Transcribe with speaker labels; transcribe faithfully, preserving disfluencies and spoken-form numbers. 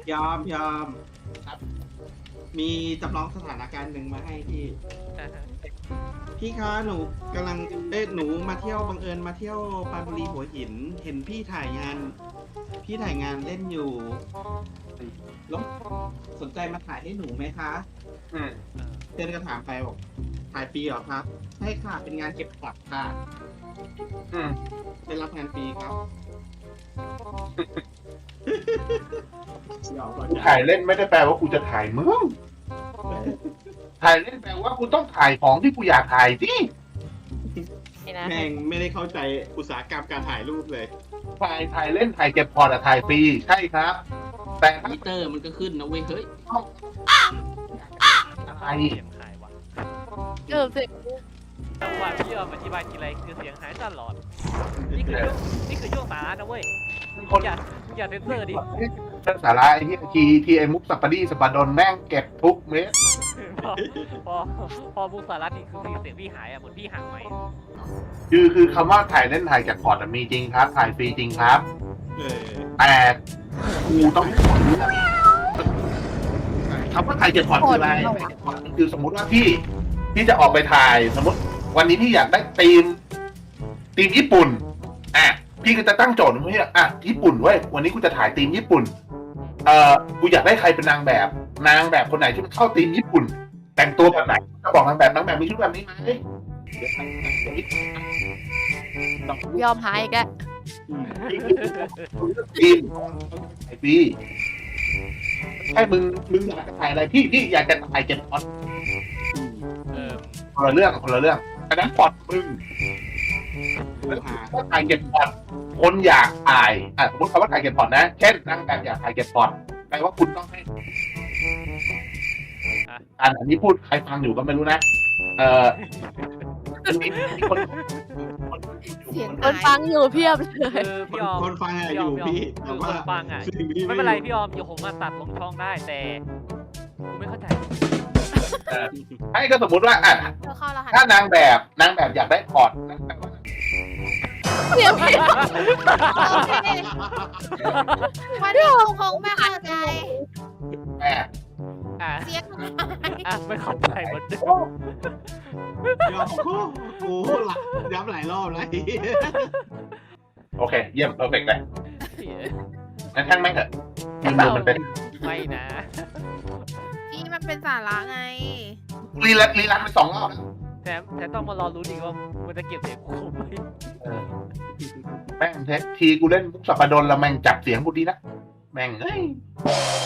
Speaker 1: ยอมยอมครับมีจำลองสถานการณ์หนึ่งมาให้พี่
Speaker 2: อ่าฮะ
Speaker 1: พี่คะหนูกำลังเอ้ยหนูมาเที่ยวบังเอิญมาเที่ยวปรานบุรีหัวหิน เห็นพี่ถ่ายงาน พี่ถ่ายงานเล่นอยู่แล้วสนใจมาถ่ายให้หนูไหมคะ
Speaker 3: อืม
Speaker 1: เพื่อนก็ถามไปบอกถ่ายฟรีเหรอครับใช่ค่ะเป็นงานเก็บผักค่ะ
Speaker 3: อืม
Speaker 1: ได้รับงานฟรีครับยอมก่อน
Speaker 3: กูถ่ายเล่นไม่ได้แปลว่ากูจะถ่ายมึงถ่ายเล่นแปลว่ากูต้องถ่ายของที่กูอยากถ่ายสิ
Speaker 4: นี่นะ
Speaker 1: แม่งไม่ได้เข้าใจอุตสาหกรรมการถ่ายรูปเลย
Speaker 3: ถ่ายถ่ายเล่นถ่ายเก็บพอร์ตอะถ่ายฟรีใช่ครับ แต่ถ้า
Speaker 1: มิเตอร์มันก็ขึ้นนะเว้ยเฮ้ย
Speaker 3: อะไร
Speaker 2: เสียงหายวะ
Speaker 4: เออเสร็จ
Speaker 2: จังหวะพี่ออมอธิบายทีไรคือเสียงหายตลอดนี่คือช่วงนี่คือช่วงสาระนะเว้ย
Speaker 3: คน
Speaker 2: อย่าอย่าเซนเซอร์ดิ
Speaker 3: เรื่องสาระไอ้ที่ทีทีไอ้มุกสัปปะดีสปาดนแม่งเก็บทุกเม็ด
Speaker 2: พอพอพอมุกสาระนี่คือเสียงพี่หายอ่ะเหมือนพี่ห่างไหม
Speaker 3: คือคือคำว่าถ่ายเล่นถ่ายเก็บพอร์ตอะมีจริงครับ ถ่ายฟรีจริงครับ
Speaker 1: เออ
Speaker 3: แต่กูต้องคำว่าถ่ายเก็บพอร์ตคืออะไรถ่ายเก็บพอร์ตมันคือสมมุติว่าพี่พี่จะออกไปถ่ายสมมติ วันนี้พี่อยากได้ธีมธีมญี่ปุ่นอ่ะพี่ก็จะตั้งโจทย์ว่าอ่ะญี่ปุ่นเว้ยวันนี้กูจะถ่ายธีมญี่ปุ่นเอ่อกูอยากได้ใครเป็นนางแบบ นางแบบคนไหนที่มันเข้าธีมญี่ปุ่น แต่งตัวแบบไหนจะบอกนางแบบนางแบบมีชุดแบบนี้ไหมเดี๋ยวแต่งแบบนี้
Speaker 4: ยอมหายอีกแล้ว
Speaker 3: ทีมไอพี่แค่มึงมึงอยากจะถ่ายอะไรพี่พี่อยากจะถ่ายเก็บพอร์ต
Speaker 2: เออ
Speaker 3: คนละเรื่องคนละเรื่องอันนั้นพอร์ตมึง
Speaker 1: ปัญหา
Speaker 3: ถ้าถ่ายเก็บพอร์ตคนอยากถ่ายอ่ะสมมติคำว่าถ่ายเก็บพอร์ตนะเช่นนางแบบอยากถ่ายเก็บพอร์ตแปลว่าคุณต้องให้อันอันนี้พูดใครฟังอยู่ก็ไม่รู้นะเออมีมีคนคน
Speaker 4: เสียงคนฟังอยู่เพียบเลย
Speaker 2: คือ
Speaker 1: ค
Speaker 2: พี่
Speaker 1: น
Speaker 2: ออม
Speaker 1: คนฟังอะอยู่พี่แต่
Speaker 2: คือค
Speaker 1: ว่าน
Speaker 2: ฟังอ่ะ
Speaker 1: สิ่งที่
Speaker 2: ไม่เป็นไรพี่ออมเดี๋ยวผมมาตัดลงช่องได้แต่กูไม่เข้าใจ
Speaker 3: ให้ก็สมมติว่าอ่ะ
Speaker 4: เธอเข้ารหัส
Speaker 3: ถ้านางแบบนางแบบอยากได้พอร์ตนางแบบว่า
Speaker 4: เสียงพี่
Speaker 5: วันนี้กูคงไม่เข้าใจ
Speaker 3: แม่
Speaker 2: อ่ะ
Speaker 5: เสียงอะไร
Speaker 2: อ่ะไม่เข้าใจเหมือนเดิม
Speaker 1: ยอมโอ้โหหลักย้ำหลายรอบแล้ว
Speaker 3: โอเคเยี่ยมเพอร์เฟกต์เลยงั้นช่างแม่งเถอะทีมเดิมมันเป็น
Speaker 2: ไม่นะ
Speaker 5: นี่มันเป็นสาระไง
Speaker 3: รีลันรีลันไปสองรอบแล้ว
Speaker 2: แถมแถมต้องมารอรู้อีกว่ามันจะเก็บเสียงกูไหม
Speaker 3: เออแม่งเททีกูเล่นมุกสัปปะดนแล้วแม่งจับเสียงกูดีนะแม่งเอ้ย